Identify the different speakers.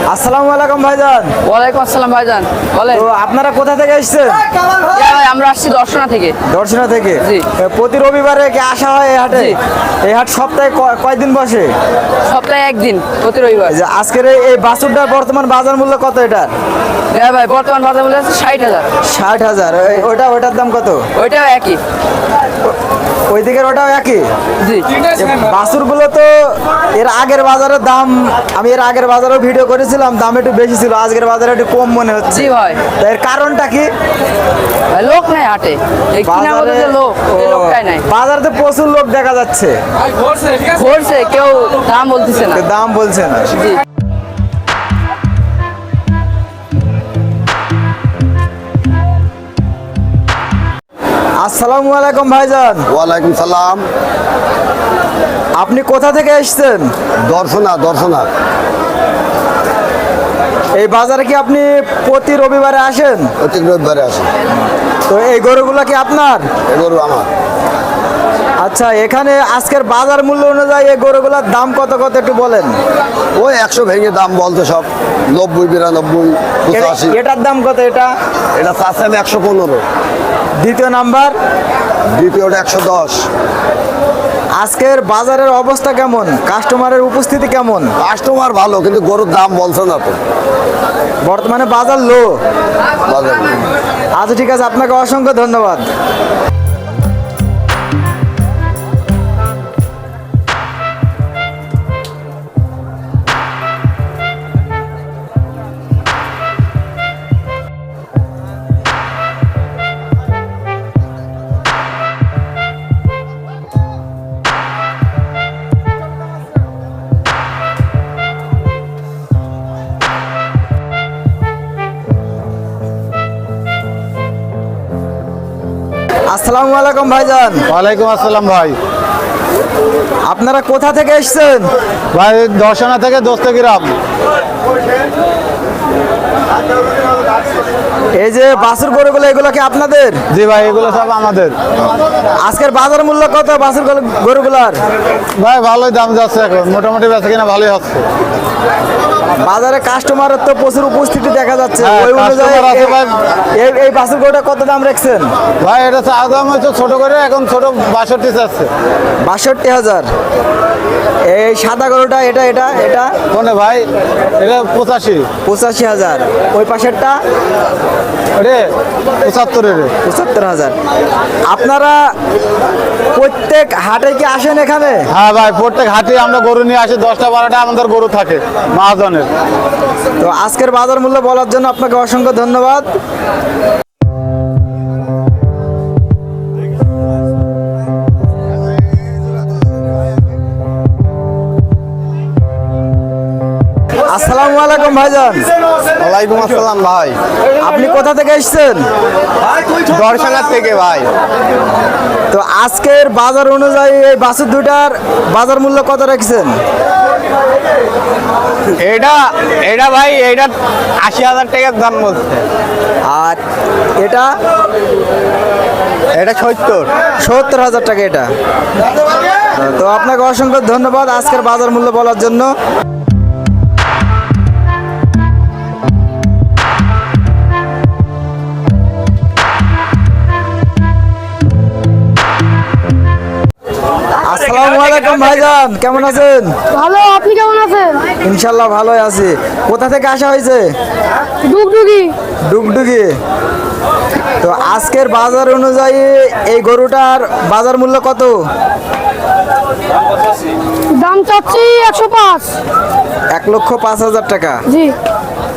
Speaker 1: আসসালামু আলাইকুম ভাইজান।
Speaker 2: ওয়ালাইকুম আসসালাম ভাইজান, বলেন।
Speaker 1: তো আপনারা কোথা থেকে এসেছেন?
Speaker 2: ভাই আমরা আসছি দর্শনা থেকে।
Speaker 1: দর্শনা থেকে?
Speaker 2: জি।
Speaker 1: প্রতি রবিবারে কি আসা হয় এই হাটে?
Speaker 2: জি।
Speaker 1: এই হাট সপ্তাহে কয়দিন বসে?
Speaker 2: সপ্তাহে একদিন, প্রতি রবিবার।
Speaker 1: যে আজকের এই বাছুরটার বর্তমান বাজার মূল্য কত এটার?
Speaker 2: হ্যাঁ ভাই, বর্তমান বাজার মূল্য আছে 60,000।
Speaker 1: 60,000। ওটার দাম কত?
Speaker 2: ওইটাও একই।
Speaker 1: ওই দিকের ওটাও একই?
Speaker 2: জি।
Speaker 1: বাছুরগুলো তো এর আগের বাজারের দাম, আমি এর আগের বাজারেও ভিডিও করেছিলাম, দাম একটু বেশি ছিল, আজকের বাজারে একটু কম মনে হচ্ছে।
Speaker 2: জি ভাই।
Speaker 1: তো এর কারণটা কি?
Speaker 2: ভাই লোক নাই হাটে, এই কিনার মধ্যে যে লোক, এই লোকটাই নাই।
Speaker 1: বাজারে প্রচুর লোক দেখা যাচ্ছে,
Speaker 2: ঘুরছে, কেউ দাম বলতেছে না।
Speaker 1: দাম বলছে না।
Speaker 2: জি।
Speaker 1: আসসালামু আলাইকুম ভাইজান।
Speaker 3: ওয়ালাইকুম সালাম।
Speaker 1: আপনি কোথা থেকে এসেছেন?
Speaker 3: দর্শনা।
Speaker 1: এই বাজারে কি আপনি প্রতি রবিবারে আসেন?
Speaker 3: প্রত্যেক রবিবারে আসে।
Speaker 1: তো এই গরুগুলো কি আপনার?
Speaker 3: এগুলো আমার।
Speaker 1: আচ্ছা, এখানে আজকের বাজার মূল্য অনুযায়ী এই গরুগুলোর দাম কত কত একটু বলেন।
Speaker 3: ওই 100 ভেঙে দাম বলতে সব 90, 92, 85।
Speaker 1: এটার দাম কত? এটা
Speaker 3: এটা চাচ্ছেন 115।
Speaker 1: দ্বিতীয় নাম্বার।
Speaker 3: দ্বিতীয়টা 110।
Speaker 1: আজকের বাজারের অবস্থা কেমন? কাস্টমারের উপস্থিতি কেমন?
Speaker 3: কাস্টমার ভালো, কিন্তু গরুর দাম বলছে না তো।
Speaker 1: বর্তমানে বাজার লো।
Speaker 3: বাজার
Speaker 1: আচ্ছা ঠিক আছে, আপনাকে অসংখ্য ধন্যবাদ। আসসালামু আলাইকুম ভাইজান।
Speaker 4: ওয়ালাইকুম আসসালাম ভাই।
Speaker 1: আপনারা কোথা থেকে এসেছেন?
Speaker 4: ভাই দর্শনা থেকে দোস্তগ্রাম।
Speaker 1: এই যে বাছুর গরুগুলো, এগুলো কি আপনাদের?
Speaker 4: জি ভাই, এগুলো সব আমাদের।
Speaker 1: আজকের বাজার মূল্য কত বাছুর গরুগুলার?
Speaker 4: ভাই ভালোই দাম যাচ্ছে, এখন মোটামুটি বেচা কিনা ভালোই হচ্ছে।
Speaker 1: বাজারে কাস্টমারের তো প্রচুর উপস্থিতি দেখা যাচ্ছে,
Speaker 4: হ্যাঁ,
Speaker 1: ওই অনুযায়ী
Speaker 4: customer আছে ভাই।
Speaker 1: এই বাছুর গরুটা কত দাম রাখছেন?
Speaker 4: ভাই এটা চা দাম হচ্ছে ছোট করে, এখন ছোট 62 চাচ্ছে।
Speaker 1: 62,000। এই সাদা গরুটা, এটা এটা এটা
Speaker 4: কোনে ভাই? এটা 85।
Speaker 1: 85,000। ওই পাশেরটা
Speaker 4: রে 75 রে।
Speaker 1: 75,000। আপনারা প্রত্যেক হাটে কি আসেন এখানে?
Speaker 4: হ্যাঁ ভাই, প্রত্যেক হাটে আমরা গরু নিয়ে আসি, 10টা 12টা আমাদের গরু থাকে মহাজনের।
Speaker 1: তো আজকের বাজার মূল্য বলার জন্য আপনাকে অসংখ্য ধন্যবাদ। আসসালামু আলাইকুম ভাইজান।
Speaker 3: ওয়ালাইকুম আসসালাম ভাই।
Speaker 1: আপনি কোথা থেকে এসেছেন?
Speaker 3: দর্শনা থেকে ভাই।
Speaker 1: তো আজকের বাজার অনুযায়ী এই বাছুর দুটার বাজার মূল্য কত রাখছেন?
Speaker 4: এটা ভাই, এটা 80,000 টাকার দাম বলছে।
Speaker 1: আর এটা
Speaker 4: এটা 70।
Speaker 1: 70,000 টাকা এটা। তো আপনাকে অসংখ্য ধন্যবাদ আজকের বাজার মূল্য বলার জন্য। আসসালামু আলাইকুম ভাইজান, কেমন আছেন?
Speaker 5: ভালো, আপনি কেমন আছেন?
Speaker 1: ইনশাল্লাহ ভালোই আছি। কোথা থেকে আসা হয়েছে?
Speaker 5: ডুগডুগি।
Speaker 1: ডুগডুগি। তো আজকের বাজার অনুযায়ী এই গরুটার বাজার মূল্য কত?
Speaker 5: দাম চাচ্ছি 105।
Speaker 1: 1,05,000 টাকা।
Speaker 5: জি।